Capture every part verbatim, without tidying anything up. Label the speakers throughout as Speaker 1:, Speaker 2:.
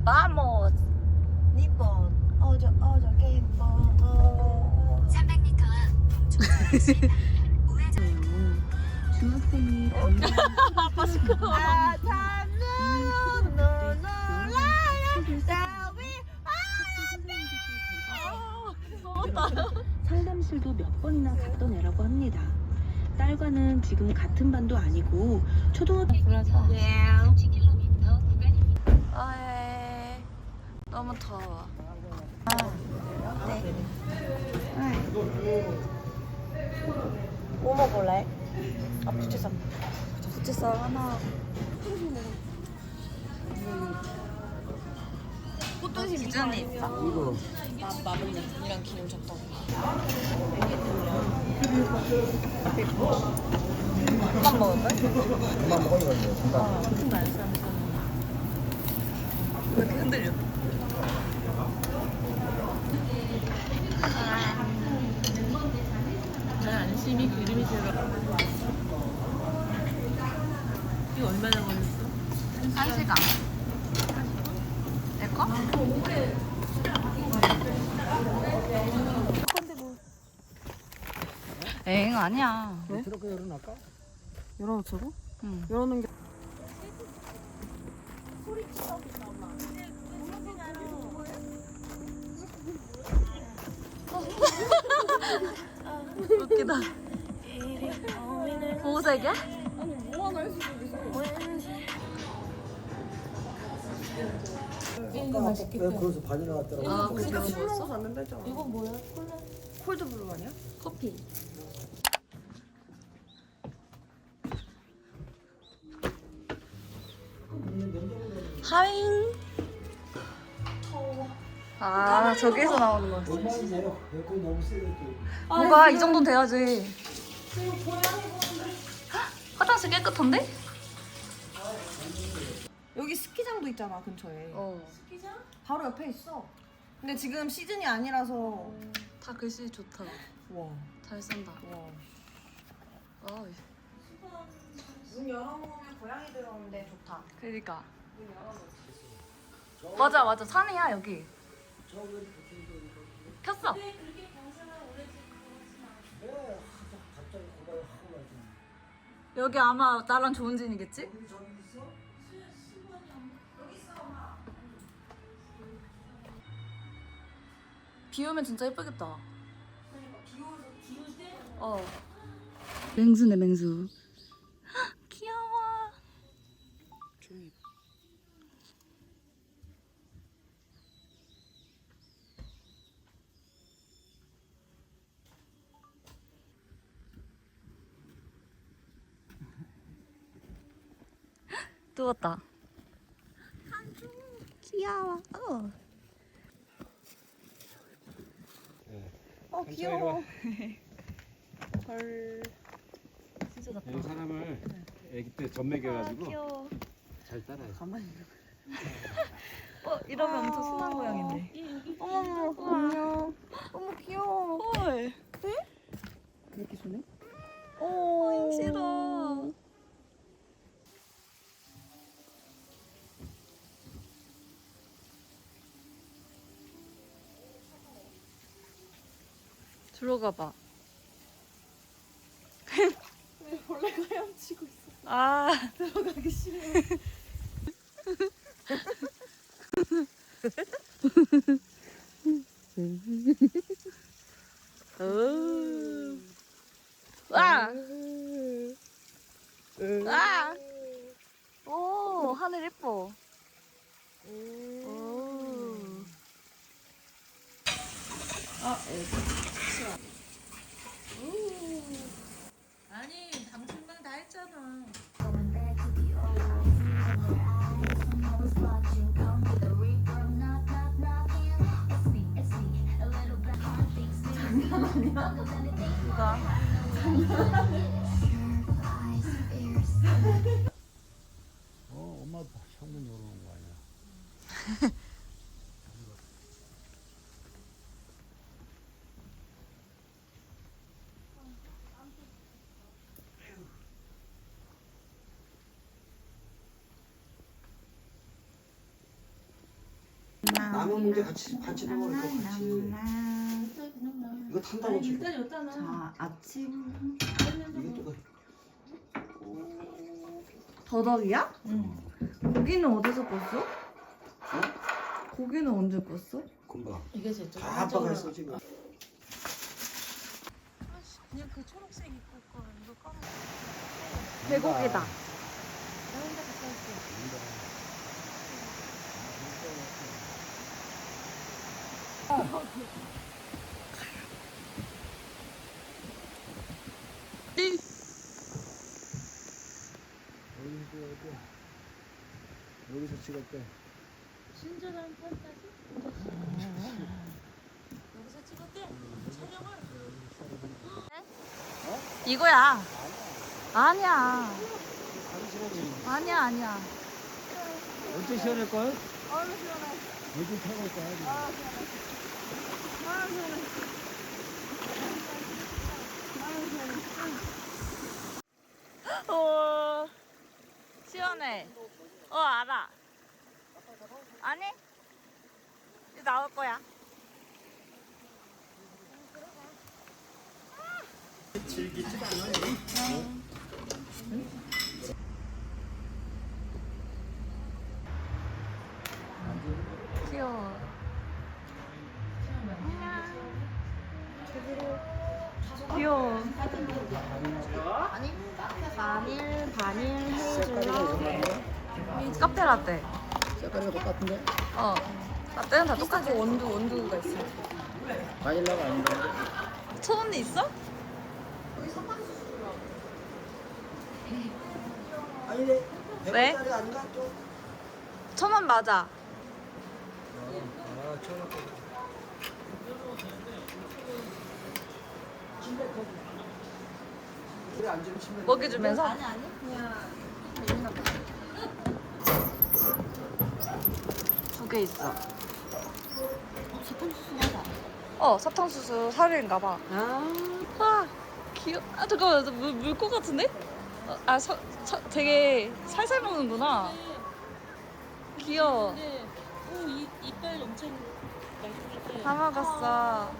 Speaker 1: 바모스.
Speaker 2: 니폰 어저 어저 게임폰
Speaker 3: 삼백 미터 우회전.
Speaker 4: 중학생이 담당
Speaker 1: 아빠 시끄러워.
Speaker 2: 아 참는 놀라야 따위
Speaker 4: 상담실도 몇 번이나 갔던 애라고 합니다. 딸과는 지금 같은 반도 아니고 초등학교
Speaker 1: 예.
Speaker 3: 십 킬로미터 구간입니다.
Speaker 1: 아예 너무 더워.
Speaker 2: 뭐 먹을래?
Speaker 1: 아 부채살. 부채살 하나.
Speaker 2: 꽃등심
Speaker 1: 기준이 있어?
Speaker 5: 이거
Speaker 1: 마블링이랑 기름 줬다고. 그만 먹을 걸?
Speaker 5: 그만 먹어야겠네. 잠깐.
Speaker 1: 왜 이렇게 흔들려?
Speaker 6: 난 안심이 기름이 들어. 이거 얼마나 걸렸어?
Speaker 1: 한 시간. 내 거? 엥 아니야.
Speaker 5: 왜? 트럭 열어놨까?
Speaker 2: 열어놓자고?
Speaker 1: 응.
Speaker 2: 열어놓은 게
Speaker 1: 웃기다. 보호색이야?
Speaker 5: 아까 왜 거기서 바닐라 왔더라고.
Speaker 1: 아, 그니까
Speaker 2: 술
Speaker 1: 뭐였어?
Speaker 2: 먹어서 잤는데 했잖아. 이거 뭐야? 콜라? 콜드블루 아니야?
Speaker 1: 커피. 하잉. 아, 저기에서 나오는 거지.
Speaker 5: 얼마인데요? 에어컨이 너무 세게.
Speaker 1: 뭐가 이 정도는 돼야지. 화장실 깨끗한데?
Speaker 2: 여기 스키장도 있잖아 근처에.
Speaker 1: 어.
Speaker 2: 바로 옆에 있어. 근데 지금 시즌이 아니라서.
Speaker 1: 다 글씨 좋다.
Speaker 2: 와.
Speaker 1: 잘 쓴다.
Speaker 2: 와.
Speaker 1: 아,
Speaker 2: 문 열어놓으면 고양이 들어오는데 좋다.
Speaker 1: 그러니까. 맞아, 맞아. 산이야 여기. 켰어.
Speaker 5: 왜 갑자기 고발을 하고 가지?
Speaker 1: 여기 아마 나랑 좋은 진이겠지?
Speaker 5: 우리 저기 있어?
Speaker 1: 비 오면 진짜 예쁘겠다. 어. 맹수네 맹수. 헉, 귀여워. 누웠다. 귀여워. 어.
Speaker 2: 어 귀여워. 헐.
Speaker 1: 진짜 좋다.
Speaker 7: 이 사람을 아기 때 전매겨가지고
Speaker 1: 귀여워.
Speaker 7: 잘 따라해.
Speaker 1: 어 이러면 엄청 순한 고양인데.
Speaker 2: 어머머 안녕. 어머 귀여워.
Speaker 1: 헐.
Speaker 2: 그렇게 손해?
Speaker 1: 오 싫어. 들어가 봐.
Speaker 2: 왜 벌레가 헤엄치고 있어?
Speaker 1: 아.
Speaker 2: 들어가기 싫어.
Speaker 1: 와. 와. 오 하늘 예뻐. 오.
Speaker 6: 아니 당신만 다 했잖아.
Speaker 1: 누가?
Speaker 5: 어, 엄마 현관 열어놓은 거 아니야? 남은 문제 같이 같이 넣어 이거 같이. 이거 탄다고 지금.
Speaker 1: 자, 아침
Speaker 5: 이것도
Speaker 1: 더덕이야? 응. 고기는 어디서 껐어? 고기는 언제 껐어?
Speaker 5: 금방.
Speaker 6: 이게 진짜
Speaker 5: 다 아빠가 했어 지금.
Speaker 6: 그냥 그 초록색 입고 거 이거 까먹.
Speaker 1: 배고기다.
Speaker 5: 어디서 찍었대? 여기서 찍었대.
Speaker 6: 친절한 판타지. 여기서 찍었대. 촬영을.
Speaker 1: 이거야. 아니야. 아니야, 아니야.
Speaker 5: 언제 시원할 걸?
Speaker 1: 얼른 시원해.
Speaker 5: 요즘 타고 거야.
Speaker 1: 아, 시원해. 어, 시원해. 어, 알아. 아니? 이제 나올 거야. 귀여워. 귀여워. 바닐, 바닐 헤이즐넛 카페 라떼.
Speaker 5: 색깔이 똑같은데?
Speaker 1: 어. 라떼는 다 똑같아. 원두, 원두가 있어.
Speaker 5: 바닐라가 아닌데?
Speaker 1: 천 원이 있어?
Speaker 5: 아니네.
Speaker 1: 왜?
Speaker 5: 백 원짜리 아닌가 또?
Speaker 1: 천 원 맞아.
Speaker 5: 아, 천 원. 그래 앉으면 치면.
Speaker 1: 먹이 주면서?
Speaker 2: 아니 아니 그냥
Speaker 1: 두 개 있어. 어, 사탕수수 사료인가 봐.
Speaker 6: 아.
Speaker 1: 아, 귀여. 아, 잠깐만, 물, 물것 같은데? 어, 아, 서, 서, 되게 살살 먹는구나. 귀여워.
Speaker 6: 근데 오, 이 이빨 엄청 날씬해.
Speaker 1: 다 먹었어.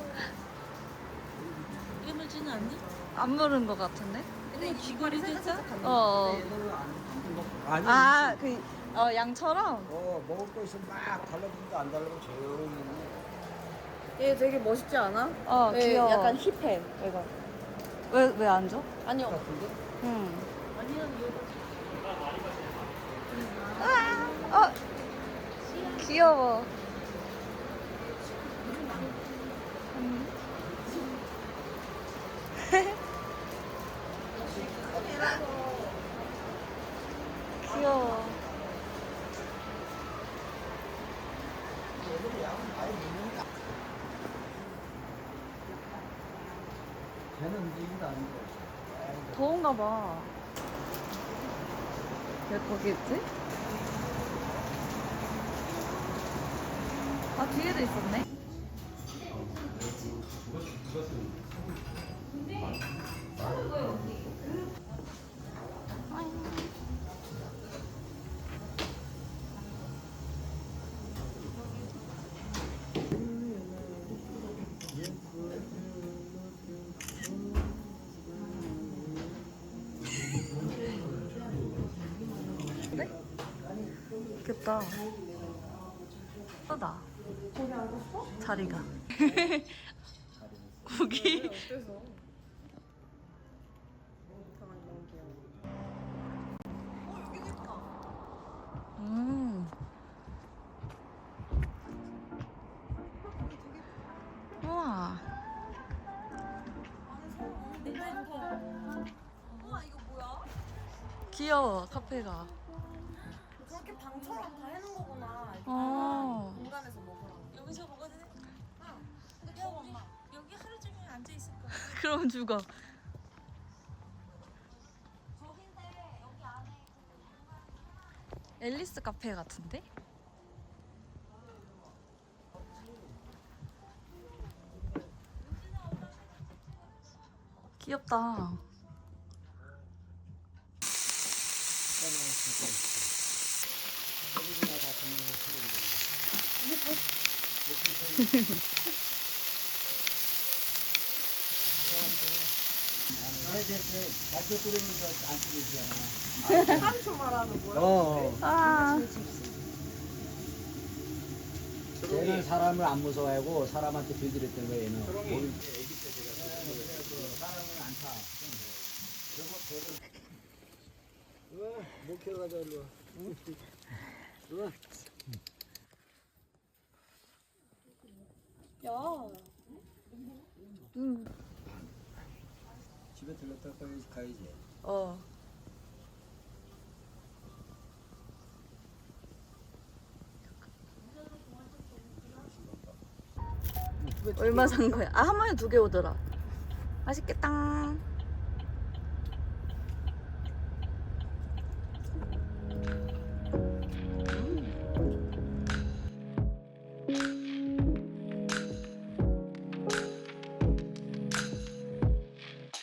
Speaker 6: 이게 물지는 않니?
Speaker 1: 안 물은 것 같은데?
Speaker 6: 근데 귀걸이 됐어?
Speaker 1: 어.
Speaker 5: 아니.
Speaker 1: 아, 그, 어, 양처럼?
Speaker 5: 어 먹을 거 있으면 막 달라붙는데 안 달라고 조용히.
Speaker 2: 얘 되게 멋있지 않아?
Speaker 1: 어,
Speaker 2: 네,
Speaker 1: 귀여워.
Speaker 2: 약간 힙해 얘가.
Speaker 1: 왜, 왜 안 줘?
Speaker 2: 아니요.
Speaker 5: 같은데?
Speaker 1: 응.
Speaker 6: 아니야, 이거
Speaker 1: 아, 어, 귀여워. 음. 귀여워.
Speaker 5: 걔는 움직이지도 않는 거야.
Speaker 1: 더운가 봐. 왜 거기 있지? 아, 뒤에도 있었네. 네? 귀엽다. 예쁘다.
Speaker 2: 거기 앉았어?
Speaker 1: 자리가. 고기.
Speaker 2: 어때서? 가만히 너무 귀여워. 어 여기도 있다.
Speaker 1: 음. 우와.
Speaker 2: 우와 이거 뭐야?
Speaker 1: 귀여워, 카페가.
Speaker 2: 저렇게 방처럼 다 해놓은 거구나. 이렇게
Speaker 1: 어.
Speaker 2: 공간에서 먹으라고.
Speaker 6: 여기서 먹어도 돼? 근데 여기, 여기 하루 종일 앉아 있을 거야.
Speaker 1: 그럼 죽어. 앨리스 카페 같은데? 귀엽다.
Speaker 2: 이게
Speaker 5: 맛도 끓이면서 안 쓰고 있잖아.
Speaker 2: 한초 말하는 거야?
Speaker 5: 어.
Speaker 1: 아.
Speaker 5: 얘는 사람을 안 무서워하고 사람한테 들들었던 거야 얘는.
Speaker 7: 초롱이.
Speaker 5: 몸이- 사람을 안 타. 어, 못 키러 가자 일로 와. 일로 와. 집에 들렀다 가야지. 가야지.
Speaker 1: 어. 얼마 산 거야? 아, 한 마리 두 개 오더라. 맛있겠다.